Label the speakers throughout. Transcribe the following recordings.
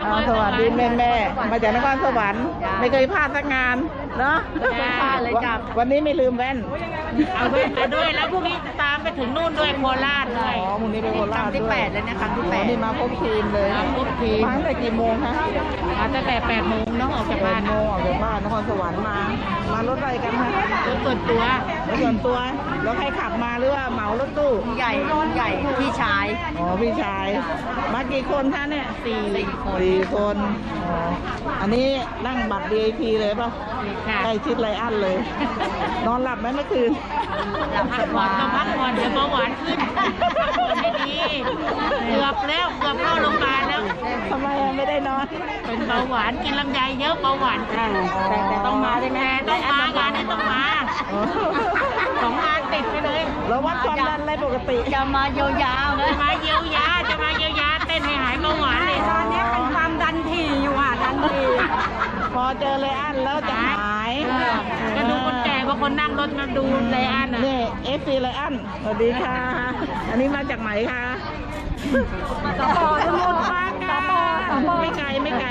Speaker 1: สวัสดีแม่มาจากนครสวรรค์ไม่เคยพลาดสักงานเนาะ
Speaker 2: ไม่พลาดเลยจ้ะ
Speaker 1: วันนี้ไม่ลืมแว่น
Speaker 2: เอาด้วยมาด้วยแล้วพรุ่งนี้ตามไปถึงนู่นด้วยโคราชเลย
Speaker 1: อ๋อพรุ่งนี้ไปโคราชด้วย
Speaker 2: ที่8เลยนะครั้งที่8
Speaker 1: นี่มาครบทีมเลย
Speaker 2: ครบทีม
Speaker 1: มาตั้งแต่กี่โมงคะ
Speaker 2: มาตั้งแต่8 โมงน้องออกจากบ้าน
Speaker 1: 8 โมงออกจากบ้านนครสวรรค์มารถอะไรกันคะ
Speaker 2: รถส่วนตัว
Speaker 1: แล้วใครขับมาหรือว่าเหมารถตู้
Speaker 2: ใหญ่พี่ชาย
Speaker 1: อ๋อพี่ชายมากี่คนคะเนี่ย4 คนอ๋ออันนี้นั่งบัตร VIP เลยป่ะใกล้ชิดไรอันเลย นอนหลับไหมเมื่อคืน
Speaker 2: พักผ่อนเดี๋ยวเบาหวานขึ้นไม่ดีเกือบเข้าโรงพยาบาลแล้ว
Speaker 1: ทำไมไม่ได้นอน
Speaker 2: เป็นเบาหวานกินลำไยเยอะเบาหวานแต่ต้องมาได้ไหมต้องมางานนี้ต้องมา2 งานติดไปเลย
Speaker 1: แล้ววัดความดันอะไรปกติ
Speaker 2: จะมาเยียวยาเต้นให้หายเบาหวานเลยตอนนี้เป็นความดันถี่อยู่ดันถี่
Speaker 1: พอเจอไรอันแล้วจะหาย
Speaker 2: ก็ดูคนแก่บางคนนั่งรถมาดูไรอัน
Speaker 1: นี่FCไรอันสวัสดีค่ะอันนี้มาจากไหนคะ
Speaker 2: สปอสมุทรปราการ
Speaker 1: ไม่ไกล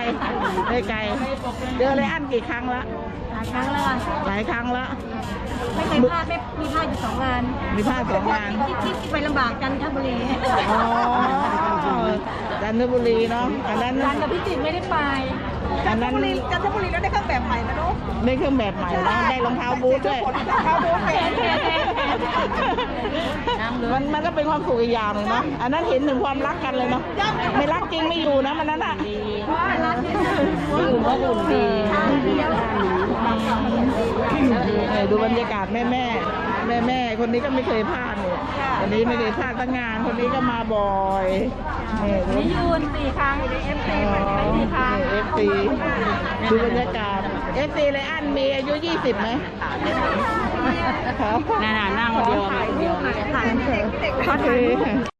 Speaker 1: เจอไรอันกี่ครั้งละหลายครั้งแล้ว
Speaker 2: ไม่เคยพลาดมีพลาดอยู่2 งาน
Speaker 1: มีพลาด2 งาน
Speaker 2: ที่ไปลำบากจันทบุรี
Speaker 1: อ๋อจันทบุรีเนาะอันนั้น
Speaker 2: จันทบุรีไม่ได้ไปจันทบุรีแล้วได้เครื่องแบบใหม่นะลูก
Speaker 1: ได้เครื่องแบบใหม่แล้วได้รองเท้าบูทด้วยมันก็เป็นความสุขอีกอย่างหนึ่งเนาะอันนั้นเห็นถึงความรักกันเลยเนาะไม่รักจริงไม่อยู่นะมันนั้นอ่ะ
Speaker 2: อยู่ก็อุ่นดี
Speaker 1: ดูบรรยากาศแม่คนนี้ก็ไม่เคยพลาดเลยคนนี้ไม่เคยพลาดตั้งงานคนนี้ก็มาบ่อย
Speaker 2: นี่ยืน4 ครั้งFC 4 ครั้ง
Speaker 1: FC ดูบรรยากาศ FC ไรอันมีอายุ20ไหม
Speaker 2: นั่งเดียว
Speaker 1: เขาถือ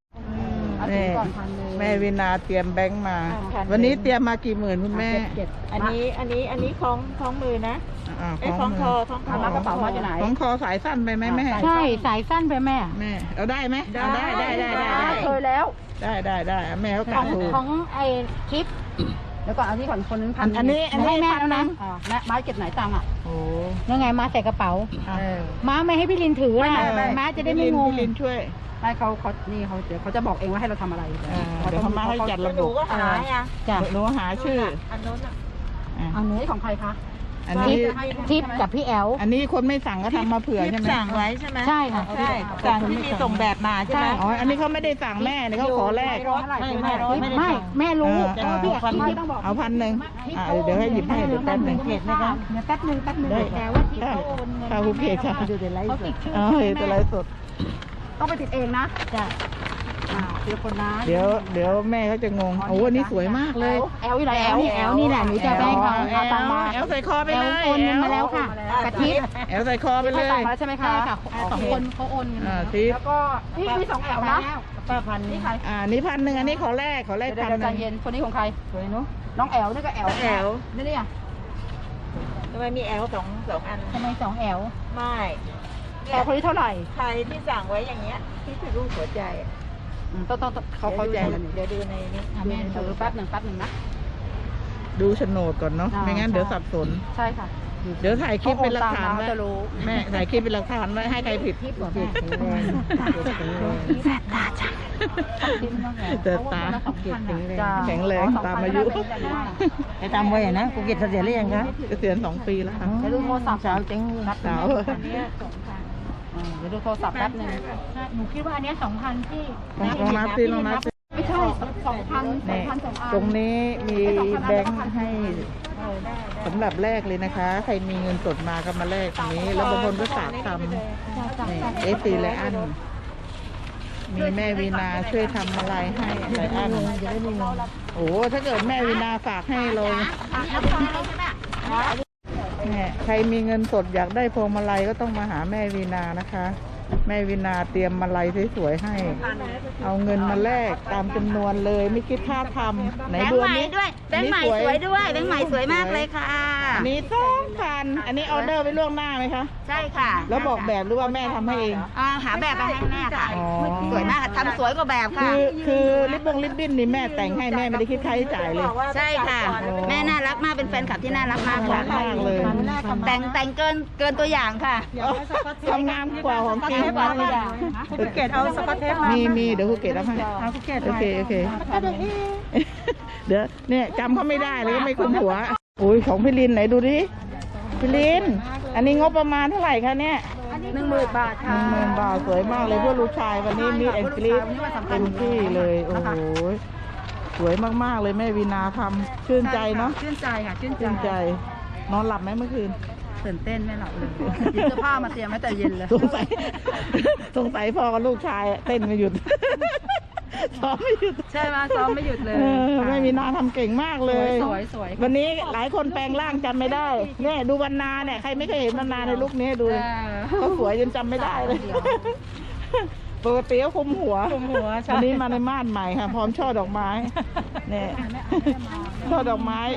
Speaker 1: แม่วินาเตรียมแบงค์มาวันนี้เตรียมมากี่หมื่นคุณแม่
Speaker 2: อันนี้ของมือนะของคอมากระเป๋ามาจากไหน
Speaker 1: ของคอสายสั้นไปไหมแม่
Speaker 2: ใช่สายสั้นไปแม่
Speaker 1: เอาได้ไหมได้
Speaker 2: เคยแล้ว
Speaker 1: ได้แม่เขากะถูก
Speaker 2: ของไอ้คลิปแล้วก่อนเอาที่ก่อนคนนึงพัน
Speaker 1: อันนี้
Speaker 2: แม่แล้วนะม้าเก็บไหนตังอ่ะ
Speaker 1: โอ้
Speaker 2: ยังไงม้าใส่กระเป๋าม้าไม่ให้พี่ลินถือนะม้าจะได้ไม่งง
Speaker 1: พี่ลินช่วย
Speaker 2: ไม่เขานี่เขาเดี๋ยวเขาจะบอกเองว่าให้เราทำอะไร
Speaker 1: เดี๋ยวเขามาให้จัดระบบ
Speaker 2: ก็หา
Speaker 1: จ้ะหนูหาชื่อ
Speaker 2: อันนู้นอันนี้ของใครคะ
Speaker 1: อันนี้
Speaker 2: ทิปกับพี่แอล
Speaker 1: อันนี้คนไม่สั่งก็ทำมาเผื่อใช่ไหม
Speaker 2: สั่งไว้ใช่ไหมใช่ค่ะสั่งที่มีส่งแบบมาใช่ไหม
Speaker 1: อ๋ออันนี้เขาไม่ได้สั่งแม่เนี่ยเขาขอแลก
Speaker 2: ไม่แม่รู้พี่ต้องบอก
Speaker 1: เอา1,000เดี๋ยวให้หยิบให้เดี๋ยวแป๊บนึง
Speaker 2: เดี๋ยวแป๊บนึงแต่ว่าที่เขาโอนเงิน
Speaker 1: ค่ะคุณเพจค่ะ
Speaker 2: เขาติดชื่อ
Speaker 1: ตัวไลฟ์สด
Speaker 2: ต้องไปติดเองนะจ้ะเดี๋ยวคนนะ
Speaker 1: เดี๋ยวแม่เขาจะงงโอ้วันนี้สวยมากเลย
Speaker 2: แอลอยู่ไหนแอลนี่แหละหนูจะแบงค์เอาตังมา
Speaker 1: แอลใส่คอไปเลย
Speaker 2: โอนเงินมาแล้วค่ะกะทิ
Speaker 1: แอลใส่คอไปเลย
Speaker 2: ใช่ไหมคะ2 คนเขาโอนเงินแล้วก็นี่มี2 แอลนะ
Speaker 1: 1,000นี่ใครนี่1,000อันนี้ขอแลก1,000
Speaker 2: ใจเย็นคนนี้ของใครน้องแอลนี่ก็แอลนี่
Speaker 3: ทำไมมีแอลสองอัน
Speaker 2: ทำไม2 แอล
Speaker 3: ไม่
Speaker 2: แอลคนนี้เท่าไหร่
Speaker 3: ใครที่สั่งไว้อย่างเงี้ยที่ถือรูปหัวใจ
Speaker 2: ต้อง
Speaker 1: เขาเข้าใจแล้ว
Speaker 3: เดี๋ยวดูในนี้
Speaker 2: แม่ดูแป๊บหนึ่งนะ
Speaker 1: ดูโฉนดก่อนเนาะไม่งั้นเดี๋ยวสับสน
Speaker 2: ใช่ค่ะ
Speaker 1: เดี๋ยวถ่ายคลิปเป็นหลักฐานไว้แม่ถ่ายคลิปเป็นหลักฐานไว้ให้ใครผิด
Speaker 2: แสบตาจัง
Speaker 1: ตาแข็งแรงตามอายุ
Speaker 3: ไปตามไว้นะกูเก็บเสียหรือยังคะ
Speaker 1: เกษียณ2 ปีแล้วค่ะ
Speaker 2: จะดูโทรศัพท์
Speaker 3: สาวจริง
Speaker 1: สาว
Speaker 2: เดี๋ยวดูโทรศัพท์แป๊บนึงหนูคิดว่าอันนี้2,000ที่
Speaker 1: ลองนับซิ
Speaker 2: ไม่ใช่2,000
Speaker 1: ตรงนี้มีแบงค์ให้สำหรับแลกเลยนะคะใครมีเงินสดมาก็มาแลกตรงนี้แล้วบางคนก็ฝากทำFCไรอันมีแม่วีนาช่วยทำอะไรให้ไรอันโอ้ถ้าเกิดแม่วีนาฝากให้เราใครมีเงินสดอยากได้พวงมาลัยก็ต้องมาหาแม่วีนานะคะแม่วินาเตรียมมาลัยสวยๆให้ เอาเงินมาแลกตามจำนวนเลยไม่คิดค่าทำไหน
Speaker 2: แบง
Speaker 1: ดู
Speaker 2: ค์
Speaker 1: อั
Speaker 2: ให
Speaker 1: น
Speaker 2: ม่
Speaker 1: นี้
Speaker 2: ด้วยแบงค์ใหม่สวยด้วยแบงค์ใหม่สวยมากเลยค่ะ
Speaker 1: อันนี้2,000อันนี้ออเดอร์ไว้ล่วงหน้าไหมคะ
Speaker 2: ใช่ค่ะ
Speaker 1: แล้วบอกแบบหรือว่าแม่ทำให้เอง
Speaker 2: หาแบบมาให้แม่ค่ะ
Speaker 1: อ๋อ
Speaker 2: สวยมากค่ะทำสวยกว่าแบบค่ะ
Speaker 1: คือริบบิ้นนี่แม่แต่งให้แม่ไม่ได้คิดค่าใช้จ่ายเลย
Speaker 2: ใช่ค่ะ แม่น่ารักมากเป็นแฟนคลับที่น่ารักมาก
Speaker 1: น่ารั
Speaker 2: ค่ะ
Speaker 1: กมากเลย
Speaker 2: แต่งเกินตัวอย่างค่ะ
Speaker 1: ทำงานกว่าของจริง
Speaker 2: กว่าตัวอย่าง
Speaker 3: ภูเก็ตเอาสกอตเทปมา
Speaker 1: มีเดี๋ยวภูเก็ตรับให้
Speaker 3: ภูเก็ต
Speaker 1: โอเคเดี๋ยวเนี่ยจำเขาไม่ได้เลยก็ไม่คุ้นหัวอุ้ยของพี่ลินไหนดูดิพี่ลินอันนี้งบประมาณเท่าไหร่คะเนี่ย
Speaker 3: 10,000 บาทค่ะ
Speaker 1: 10,000 บาทสวยมากเลยเพื่อลูกชายวันนี้มีแอนกรีดเต็มที่เลยโอ้โหสวยมากๆเลยแม่วีนาทำชื่นใจเนาะ
Speaker 3: ชื่นใจค่ะชื่น
Speaker 1: ชื่นใจนอนหลับไหมเมื่อคืน
Speaker 3: ตื่นเต้นไม่หลับเลยหยิบเสื้อผ้ามาเตรียมไว้แต่เย็นเลย
Speaker 1: สงสัยพ่อกับลูกชายเต้นไม่หยุดซ้อมไม่หยุด
Speaker 3: ใช่ไหมซ้อมไม่หยุดเลย
Speaker 1: แม่วีนาทำเก่งมากเลย
Speaker 3: สวย
Speaker 1: วันนี้หลายคนแปลงร่างจำไม่ได้เนี่ยดูวรรณาเนี่ยใครไม่เคยเห็นวรรณาในลุคนี้ดูเขาสวยจนจำไม่ได้เลยปกติก็คุมหัว
Speaker 3: ใช่
Speaker 1: วันนี้มาในม่านใหม่ค่ะ พร้อมช่อดอกไม้เนี่ยช่อดอกไม้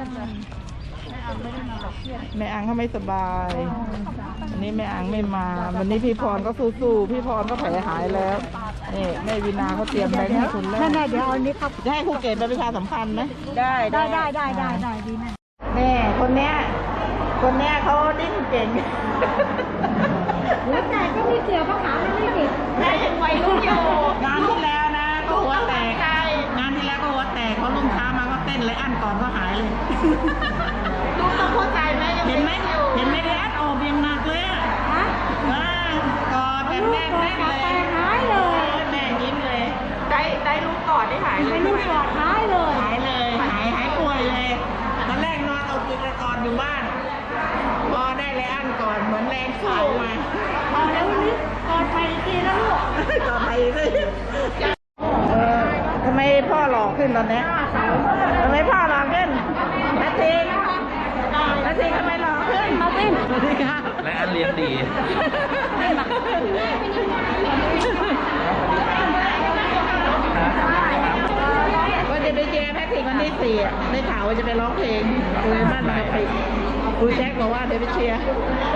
Speaker 1: แม่อังเขาไม่สบายวันนี้แม่อังไม่มา วันนี้พี่พรก็สู้ๆพี่พรก็แผลหายแล้วนี่แม่วีนาเขาเตรียมแบงค์ให้คุณแล้ว
Speaker 3: แม่เดี๋ยวเอาอันนี้ครับ
Speaker 1: จะให้ครูเกศไปประชาสัมพันธ์ไหม
Speaker 3: ได้ดีแม่
Speaker 1: แม่คนเนี้ยเขาดิ้นเก่ง
Speaker 3: หัวใจก็ไม่เกี่ยวกับขาไม่ติด
Speaker 2: แม่ยังวัยรุ่นอยู่
Speaker 1: งานที่แล้วนะก็หัวแตกงานที่แล้วก็หัวแตกเขาลุ่มช้ามาก็เต้นเลยอันก่อนก็หายเลย
Speaker 2: ลูกต้องเข้าใจแม่ยัง
Speaker 1: เห็นไหม
Speaker 2: ด็กอยู่
Speaker 1: เลยอันออกยังหนักเลยอ่ะกอดแบบแน่นเลย
Speaker 3: หายเลย
Speaker 1: แม่ยิ้มเลย
Speaker 2: ได้ลูกกอดได้หายเลย
Speaker 3: ไม่ปลอดหายเลย
Speaker 1: หายเลยหายป่วยเลยตอนแรกนอนเอาติดกอดอยู่บ้านพอได้เลยอันก่อนเหมือนแรงสู้มา
Speaker 3: พอแล้ววันนี้กอดไปอีกทีแล้วลูก
Speaker 1: ต่อไปเลยทำไมพ่อหล่อขึ้นตอนนี้ทำไมพ่อหล่อขึ้นนาทีทำไมหล่อขึ้นมาสิสวัสดีค่ะ
Speaker 4: และอันเลี้ยงดี
Speaker 1: ว่าจะไปเจอแพทริกวันที่4อ่ะได้ข่าวว่าจะไปร้องเพลงคุยบ้านมาไปคุยแจ็คบอกว่าเดี๋ยวไปเชียร์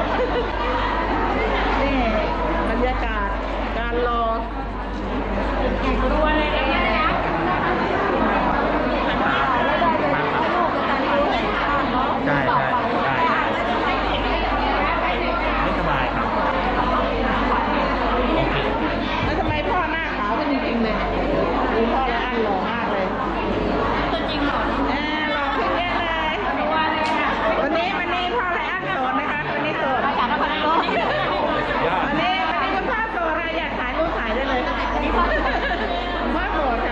Speaker 1: นี่บรรยากาศการรอ
Speaker 2: ตัวเลยนะ
Speaker 4: ใช่ไม่สบายครับ โอเค
Speaker 1: แล้วทำไมพ่อหน้าขาวเป็นจริงๆเลยดูพ่อแล้วอันหล่อมากเลย
Speaker 2: ตัวจริงเหรอ
Speaker 1: หล่อขึ้นเยอะเลยวันนี้พ่อไรอันโสดนะคะวันนี้โสด
Speaker 2: จากนครนายก
Speaker 4: ยอด
Speaker 1: วันนี้คุณพ่อโสดอะไรอยากถ่ายรูปถ่ายได้เลยคุณพ่อโสด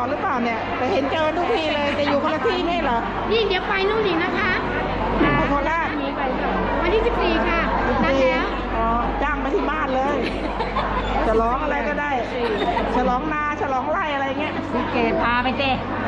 Speaker 1: หรือเปล่าเนี่ยแต่เห็นเจอทุกทีเลยจะอยู่คนละที่ไม่เหรอ
Speaker 3: นี่เดี๋ยวไปนู่นอีกนะคะ
Speaker 1: ไปโคราช
Speaker 3: วันที่ 14 ค่ะนัดแล้ว
Speaker 1: อ๋อจ้างไปที่บ้านเลยฉลองอะไรก็ได้ฉลองนาฉลองไร่อะไรเงี้ย
Speaker 2: พี่เกดพาไปเจ้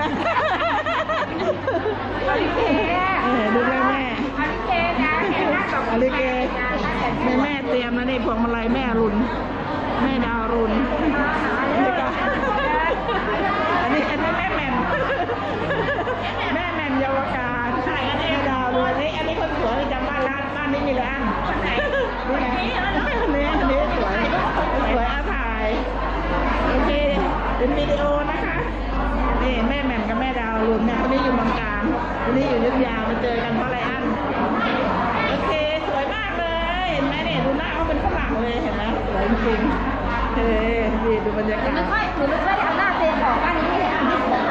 Speaker 1: ดูแม่แม่
Speaker 3: อลิเกนะนัดกับ
Speaker 1: อลิเกแม่เตรียมแล้วนี่พวงมาลัยแม่รุนแม่ดาวรุนนี่ก็อันนี้แม่แหม่มแม่แหม่มเยาวการแม่ดาวรุนอันนี้คนสวยจำบ้านบ้านนี้มีแล้วนี่สวยอาถ่ายโอเคเป็นวิดีโอนะคะนี่แม่แหม่มกับแม่ดาวรุนเนี่ยคนนี้อยู่เมืองการคนนี้อยู่อยุธยามาเจอกันเพราะอะไรอันโอเคสวยมากเลยเห็นไหมเนี่ยดูหน้าเขาเป็นฝรั่งเลยเห็นไหมสวยจริงๆนี่ดูบรรยากาศ
Speaker 3: หนูไม่ค่อยทำหน้าเซนออกบ้านนี้ไม่เห็น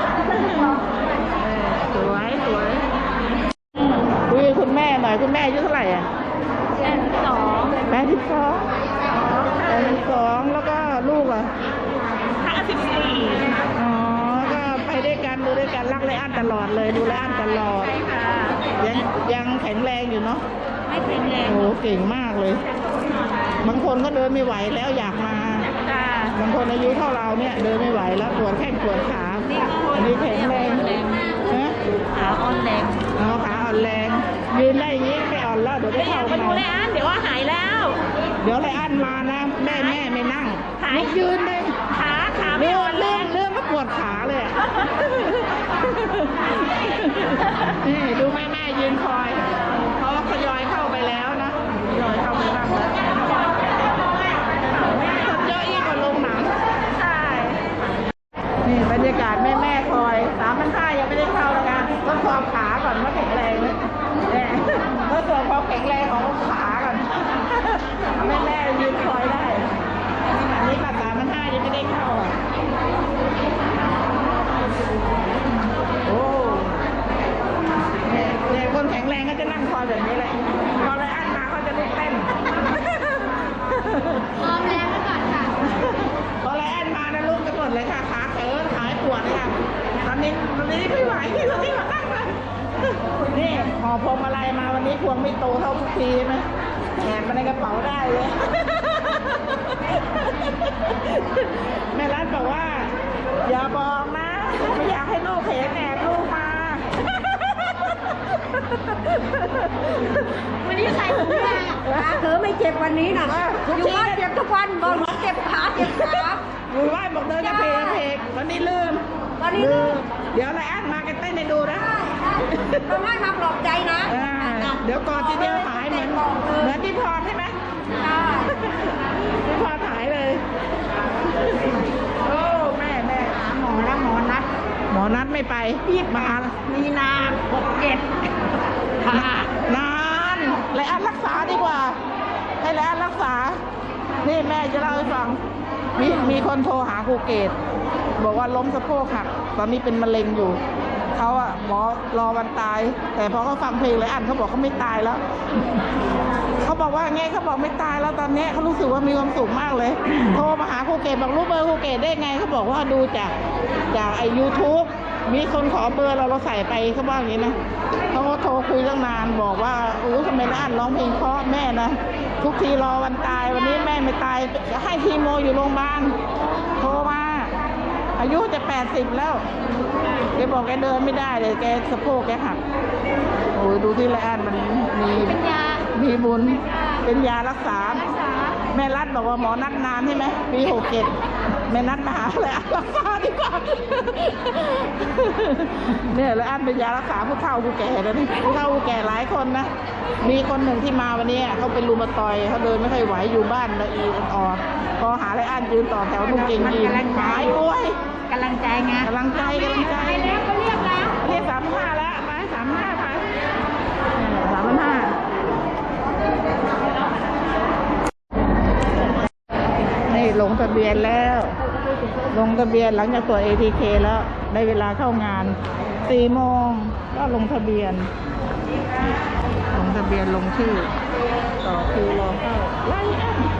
Speaker 1: สวยคุยคุณแม่หน่อยคุณแม่อายุเท่าไหร่อ่ะ82แล้วก็ลูกอ่ะ54อ๋อก็ไปด้วยกันดูด้วยกันรักไรอันตลอดเลยดูไรอันตลอดยังแข็งแรงอยู่เนาะ
Speaker 3: ไม่แข็งแรง
Speaker 1: โอ้เก่งมากเลย บางคนก็เดินไม่ไหวแล้วอยากมาบางคนอายุเท่าเราเนี่ยเดินไม่ไหวแล้วปวดแข้งปวดขาอันนี้แข็งแรงนะ
Speaker 2: ขาอ่อนแรง
Speaker 1: อ๋อขาอ่อนแรงยืนได้อย่างนี้ไม่อ่อนแล้วเดี๋ยวได้เข้า
Speaker 2: ไปดูเลยอันเดี๋ยวว่าหายแล้ว
Speaker 1: เดี๋ยวไรอันมานะแม่ไม่นั่งลุกยืนเลย
Speaker 2: ขาไม่อ่อนแรง
Speaker 1: เรื่องก็ปวดขาเลยอะนี่ดูแม่ยืนคอยเขาทยอยเข้าไปแล้วนะทยอยเข้าไปบ้างแล้วคนเยอะยิ่งกว่าโรงหนังใช่นี่บรรยากาศแม่คอย3,500ยังไม่ได้เข้านะคะทดสอบขาก่อนว่าแข็งแรงไหมเนี่ยทดสอบความแข็งแรงของขาก่อนแม่ยืนคอยได้อันนี้บัตร3,500ยังไม่ได้เข้าอ่ะโอ้เนี่ยคนแข็งแรงก็จะนั่งคอยแบบนี้แหละพอไรอันมาเขาจะลุกเต้น
Speaker 3: ออมแรงไว้ก่อนค่ะ
Speaker 1: พอไรอันมานะลุกกันหมดเลยค่ะขาเขินขาปวดเลยค่ะตอนนี้ไม่ไหวตอนนี้มานั่งเลยนี่ห่อพวงมาลัยมาวันนี้พวงไม่โตเท่าทุกทีไหมแอบมาในกระเป๋าได้เลย แม่รัฐบอกว่าอย่าบอกนะไม่อยากให้ลูกเห็นแอบลูกมา
Speaker 3: วันนี้ใส่ถุงยางขาเธอไม่เจ็บวันนี้นะอยู่บ้านเจ็บทุกวันบอกหมอเจ็บขาเจ็บขา
Speaker 1: อยู่บ้านบอกเดินกระเพกวันนี้ลืมเดี๋ยวไรอันมากันเต้นให้ดูนะ
Speaker 3: ต้องให้มาปลอบใจนะ
Speaker 1: เดี๋ยวก่อนทีเดียวหายเหมือนที่พรใช่ไหมที่พรหายเลยโอ้แม่หมอนัดไม่ไปมา
Speaker 2: มีนา67
Speaker 1: นานไรอันรักษาดีกว่าให้ไรอันรักษานี่แม่จะเล่าให้ฟังมีคนโทรหาครูเกตบอกว่าล้มสะโพกหักตอนนี้เป็นมะเร็งอยู่เขาอะหมอรอวันตายแต่พอเขาฟังเพลงไรอันเขาบอกเขาไม่ตายแล้วเขาบอกว่าไงเขาบอกไม่ตายแล้วตอนนี้เขารู้สึกว่ามีความสุขมากเลย โทรมาหาครูเกตบอกรู้เบอร์ครูเกตได้ไงเขาบอกว่าดูจากไอ้ YouTube มีคนขอเบอร์เราใส่ไปเขาบอกอย่างนี้นะเขาก็โทรคุยตั้งนานบอกว่าทำไมไรอันร้องเพลงเพราะแม่นะทุกทีรอวันตายวันนี้แม่ไม่ตายให้คีโมอยู่โรงพยาบาลโทรมาอายุจะ80แล้วแกบอกแกเดินไม่ได้เลยแกสะโพกแกหักโอ้ยดูที่ไรอันมันมีบุญเป็นยารักษาแม่รัฐบอกว่าหมอนัดนานใช่ไหมปี67แม่นัดมาหาไรอันรักษาดีกว่าเนี่ยไรอันเป็นยารักษาผู้เฒ่าผู้แก่แล้วนี่ผู้เฒ่าผู้แก่หลายคนนะมีคนหนึ่งที่มาวันนี้เขาเป็นรูมาตอยเขาเดินไม่ค่อยไหวอยู่บ้านละอีอ่อนพอหาไรอันยืนต่อแถวนุ่งเกงยีนหายป่วย
Speaker 2: กำลังใจไง
Speaker 1: กำลังใจ
Speaker 3: แล้วก็เรียกแล้ว
Speaker 1: เรียก3,500แล้วไป3,500ไป3,500นี่ลงทะเบียนแล้วลงทะเบียนหลังจากตรวจ ATK แล้วได้เวลาเข้างาน4 โมงก็ลงทะเบียนลงชื่อต่อคิวรอเข้าไล่อัน